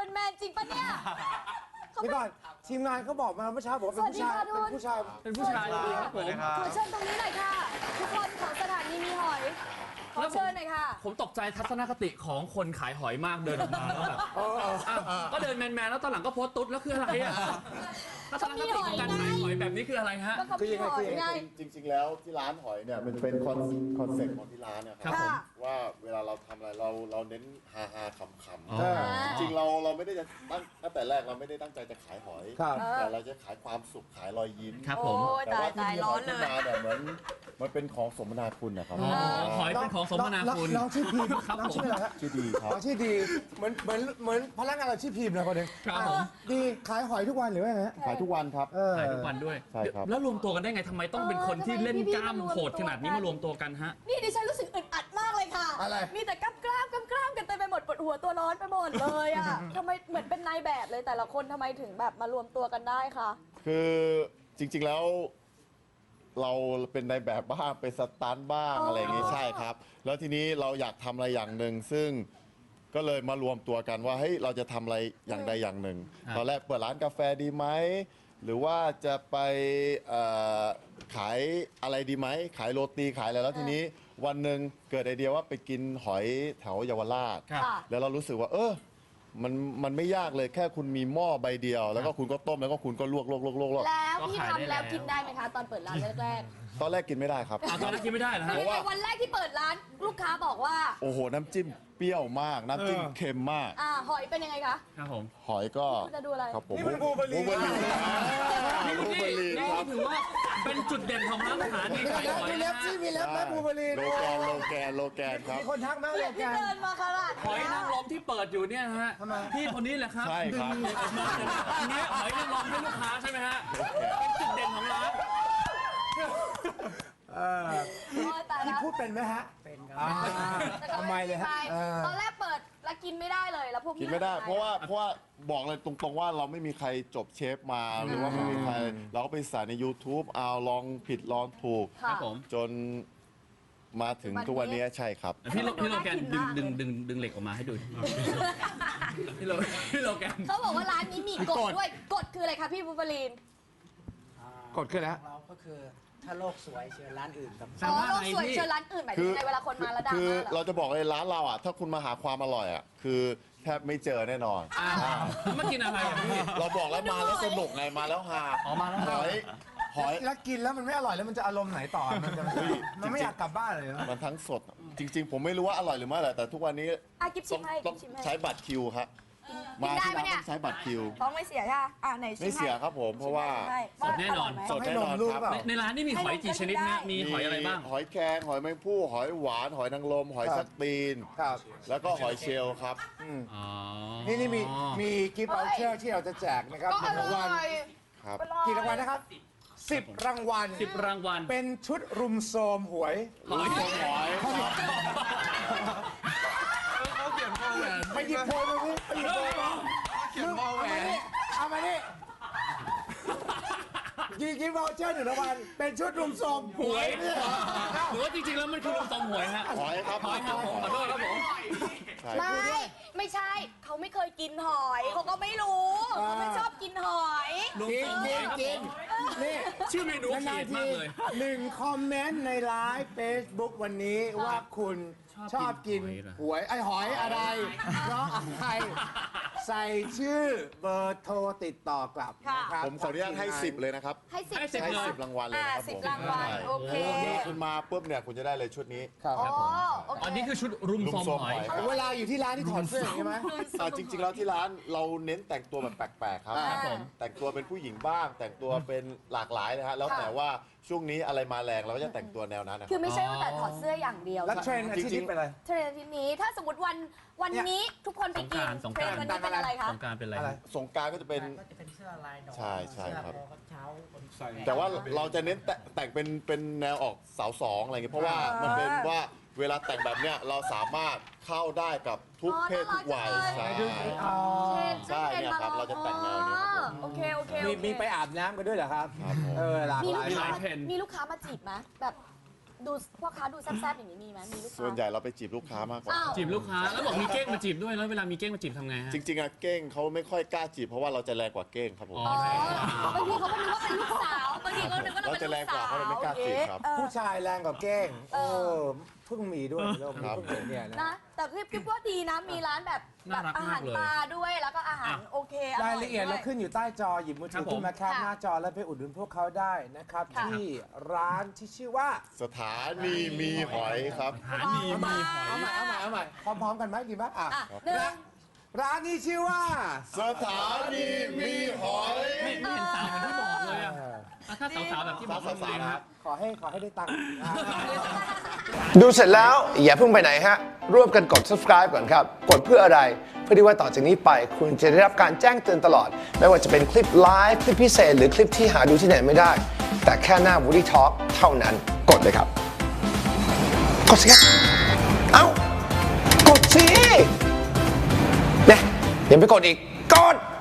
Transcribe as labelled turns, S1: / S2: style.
S1: เป็นแมนจริงปะเนี่ย
S2: นี่ก่อนทีมงานเขาบอกมาเมื่อเช้าบอกเป็นผู้ชายเป็นผู้ชาย
S3: ดีครับผม
S1: ขอเชิญตรงนี้หน่อยค่ะทุกคนของสถานีมีหอยขอเชิญหน่อยค่ะ
S3: ผมตกใจทัศนคติของคนขายหอยมากเดินออกมาแล้วแบบก็เดินแมนๆแล้วตอนหลังก็โพสต์ตุ๊ดแล้วคืออะไรอ่ะทัศนคติของการขายหอยแบบนี้คืออะไรฮะ
S1: คือยังไง
S4: จริงๆแล้วที่ร้านหอยเนี่ยมันเป็นคอนเซ็ปต์ของที่ร้านเนี่ยครับว่าเวลาเราทำอะไรเราเน้นฮาๆขำๆจริงๆเราไม่ได้จะตั้งแต่แรกเราไม่ได้ตั้งใจจะขายหอยแต่เราจะขายความสุขขายรอยยิ้ม
S3: ครับผม
S4: แต่ว่าที่ร้อนเลยเนี่ยเหมือนมันเป็นของสมนาคุณนะครับ
S3: หอยเป็นของสมนาคุณ
S2: น้องชื่อพีมน้องชื่ออะไรฮะ
S4: ชื่อดีครับ
S2: ชื่อดีเหมือนพนักงานเราชื่อพีมนะคนหนึ่ง
S3: ครับผม
S2: ดีขายหอยทุกวันหรือว่าไง
S4: ขายทุกวันครับ
S3: ขายทุกวันด้วย
S4: ใช่ครับ
S3: แล้วรวมตัวกันได้ไงทำไมต้องเป็นคนที่เล่นกล้ามโหดขนาดนี้มารวมตัวกันฮะ
S1: นี่ดิฉันรู้สึกอึดอัดมากเลยค่ะ
S2: อะไร
S1: มีแต่กล้ามกันเต็มไปหมดปวดหัวตัวร้อนไปหมดเลยอ่ะทำไมเหมือนเป็นนายแบบเลยแต่ละคนทำไมถึงแบบมารวมตัวกันได้คะ
S4: คือจริงๆแล้วเราเป็นในแบบบ้างเป็นสตันบ้างอะไรอย่างนี้ใช่ครับแล้วทีนี้เราอยากทำอะไรอย่างหนึ่งซึ่งก็เลยมารวมตัวกันว่าเฮ้ยเราจะทำอะไรอย่างใดอย่างหนึ่งตอนแรกเปิดร้านกาแฟดีไหมหรือว่าจะไปขายอะไรดีไหมขายโรตีขายอะไรแล้วทีนี้วันหนึ่งเกิดไอเดียว่าไปกินหอยแถวเยาวราชแล้วเรารู้สึกว่ามันไม่ยากเลยแค่คุณมีหม้อใบเดียวแล้วก็คุณก็ต้มแล้วก็คุณก็ลวก
S1: แล้วพี่ทำแล้วกินได้ไหมคะตอนเปิดร้านแรก
S4: ตอนแรกกินไม่ได้ครับ
S3: ตอนแรกกินไม่ได้เหรอฮะ
S1: เพราะว่าวันแรกที่เปิดร้านลูกค้าบอกว่า
S4: โอ้โหน้ำจิ้มเปรี้ยวมากน้ำจิ้มเค็มมาก
S1: หอยเป็นยังไงคะ
S3: ครับผม
S4: หอยก็
S1: จะดูอะไร
S4: ครับผม
S2: นี่มันบูเบอรี
S3: นี่ถือว่าเป็นจุดเด่นของร้านอาหารนี่ขายหอย
S2: มีเล็บที่มีเล็บแม่บูเบอรี
S4: โลแกนครับ
S2: มีคนทักมาโลแกน
S1: เดินมาขนาด
S3: หอยนางรมที่เปิดอยู่เนี่ยฮะพี่คนนี้แหละครับ
S4: ใช่ครับ
S3: อันนี้หอยนางรมให้ลูกค้าใช่ไหมฮะเป็นจุดเด่นของร้าน
S2: พี่พูดเป็นไหมฮะเป็นครับทำไมเลยฮะ
S1: ตอนแรกเปิดแล้วกินไม่ได้เลยแล้วพวก
S4: กินไม่ได้เพราะว่าบอกเลยตรงๆว่าเราไม่มีใครจบเชฟมาหรือว่าไม่มีใครเราก็ไปสายใน YouTube เอาลองผิดลองถูกจนมาถึงทุกวันนี้ใช่ครับ
S3: พี่โลแกนดึงเหล็กออกมาให้ดูพี่โลแกน
S1: เขาบอกว่าร้านนี้มีกฎด้วยกฎคืออะไรคะพี่บูเบอรีน
S2: กฎคืออะไร
S5: เราก็คือถ้าโลกสวยเชิญร้านอื่นครับ
S1: โลกสวยเชิญร้านอื่นหมายถึงไงเวลาคนมาแล้วดัง
S4: คือเราจะบอกเลยร้านเราอ่ะถ้าคุณมาหาความอร่อยอ่ะคือแทบไม่เจอแน่นอน
S3: มากินอะไรพี่
S4: เราบอกแล้วมาแล้วสนุกไงมาแล้วฮา
S3: มาแล้ว
S4: หอย
S2: แล้วกินแล้วมันไม่อร่อยแล้วมันจะอารมณ์ไหนต่อมันไม่อยากกลับบ้านเลย
S4: มันทั้งสดจริงๆผมไม่รู้ว่าอร่อยหรือไม่อร่อยแต่ทุกวันนี้ต้องใช้บัตรคิวครับมาที่ร้านต้องใช้บัตรคิว
S1: ต้องไม่เสียใช่ไหน
S4: ไม่เสียครับผมเพราะว่า
S3: สดแน่นอน
S4: ครับ
S3: ในร้านนี่มีหอยกี่ชนิดนะมีหอยอะไรบ้าง
S4: หอยแครงหอยแมงผู้หอยหวานหอยนางรมหอยสักตีนแล้วก็หอยเชลล์ครับ
S2: นี่มีกิฟต์วอเชอร์ที่เราจะแจกนะครับรางวัลกี่รางวัลนะครับ10 รางวัลเป็นชุดรุมโทรมหวย
S3: เขาเขียนโพแหวน
S2: ไปหยิบโพมาสิไปหยิบโพมา
S3: เขียนโพแหวน
S2: เอามาดิยิงวอลเชอร์1 รางวัลเป็นชุดรุมโทรมหวย
S3: หรือว่าจริงๆแล้วมันคือรุมโทรมหวยฮะ
S4: หอยครับ
S3: ผมขอโทษครับผม
S1: ไม่ใช่เขาไม่เคยกินหอยเขาก็ไม่รู้เขาไม่ชอบกินหอย
S2: กินนี่
S3: ชื่อเมนูเขียนมากเลย
S2: 1 คอมเมนต์ในไลฟ์เฟซบุ๊กวันนี้ว่าคุณชอบกินหวยไอหอยอะไรเพราะอะไรใส่ชื่อเบอร์โทรติดต่อกลับนะครับ
S4: ผมขออนุญาตให้10เลยนะครับ
S1: ให้
S4: 10 รางวัลเลยครับผม
S1: 10 รางวัลโอเค
S4: คุณมาปุ๊บเนี่ยคุณจะได้เลยชุดนี้
S2: ครับ
S3: อันนี้คือชุดรุมโทรมหอย
S2: เวลาอยู่ที่ร้านที่ถอดเสื้อใช่ไหม
S4: จริงๆแล้วที่ร้านเราเน้นแต่งตัวแบบแปลกๆครับแต่งตัวเป็นผู้หญิงบ้างแต่งตัวเป็นหลากหลายนะฮะแล้วแต่ว่าช่วงนี้อะไรมาแรงเราก็จะแต่งตัวแนวนั้น
S1: คือไม่ใช่ว่าแต่ถอดเสื้ออย่างเดียว
S2: แล้วเทรนด์อาทิตย์เป็นอะไร
S1: เทรนด์อาทิตย์นี้ถ้าสมมติวันนี้ทุกคนไปกินเทรนด์วันนี้เป็นอะไรคะ
S3: สงกรานต์เป็นอะไร
S4: สงกรานต์ก็จะเป็น
S5: เสื้อลายดอก
S4: ใช่ครับ
S5: เช้า
S4: แต่ว่าเราจะเน้นแต่งเป็นแนวออกสาวสองอะไรเงี้ยเพราะว่ามันเป็นว่าเวลาแต่งแบบเนี้ยเราสามารถเข้าได้กับทุกเพศทุกวัยใช่เนี่ยครับเราจะแต่งแนวนี้
S1: โอเค
S2: มีไปอาบน้ำกันด้วยเหรอครับ
S4: หลากหลาย
S1: มีลูกค้ามาจีบไหมแบบดูพ่อค้าดูแซ่บๆอย่างนี้มีไหมมีลูกค้า
S4: ส่วนใหญ่เราไปจีบลูกค้ามากกว่า
S1: อ้าว
S3: จีบลูกค้าแล้วบอกมีเก้งมาจีบด้วยแล้วเวลามีเก้งมาจีบทำไงฮะ
S4: จริงๆอะเก้งเขาไม่ค่อยกล้าจีบเพราะว่าเราจะแรงกว่าเก้งครับผม
S3: อ๋อ
S1: อ๋อบางทีเขาก็นึกว่าเป็นลูกสาวบางทีก็นึกว่าเรา
S4: เรา
S1: เป็น
S4: จะ
S1: ลู
S4: แรง
S1: ก
S4: กว่า
S1: สาว
S4: เขาเลยไม่กล้าจีบครับ
S2: ผู้ชายแรงกว่าเก้งเพิ่งมีด้วยในโลก
S4: ครั
S2: นี้
S4: บ
S2: เพิ่งเห็นเนี่ยนะ
S1: นะแต่คิดว่าดีนะมีร้านแบบ
S3: น่ารัก
S1: อาหาร
S3: มากเลย
S1: ปลาด้วยแล้วก็อาหารโอเคอร่
S2: รา
S1: อย
S2: ละเอียด
S1: ด้
S2: เรา
S1: วย
S2: ขึ้นอยู่ใต้จอหยิบมือถือขึ้นมาแคปหน้าจอแล้วไปอุดหนุนพวกเขาได้นะครับ
S1: ค่ะ
S2: ที่ร้านที่ชื่อว่า
S4: สถานีมีหอยครับ
S3: หาดีมีหอย
S2: เอาใหม่พร้อมๆกันไหมดีไหมอ่ะ
S1: อ่ะหนึ่ง
S2: ร้านนี้ชื่อว่า
S4: สถานีมีหอย
S3: ไม่เห็นสาวเหมือนที่บอกเลยอะถ้าสาวๆแบบที่บอก
S4: สาวๆนะครับ
S2: ขอให้ได้ตังค์
S6: ดูเสร็จแล้วอย่าเพิ่งไปไหนฮะ ร่วมกันกด subscribe ก่อนครับ กดเพื่ออะไร เพื่อที่ว่าต่อจากนี้ไป คุณจะได้รับการแจ้งเตือนตลอด ไม่ว่าจะเป็นคลิปไลฟ์คลิปพิเศษ หรือคลิปที่หาดูที่ไหนไม่ได้ แต่แค่หน้า Woody Talk เท่านั้น กดเลยครับ กดสิครับ เอ้า กดสิเนี่ยยังไม่กดอีก กด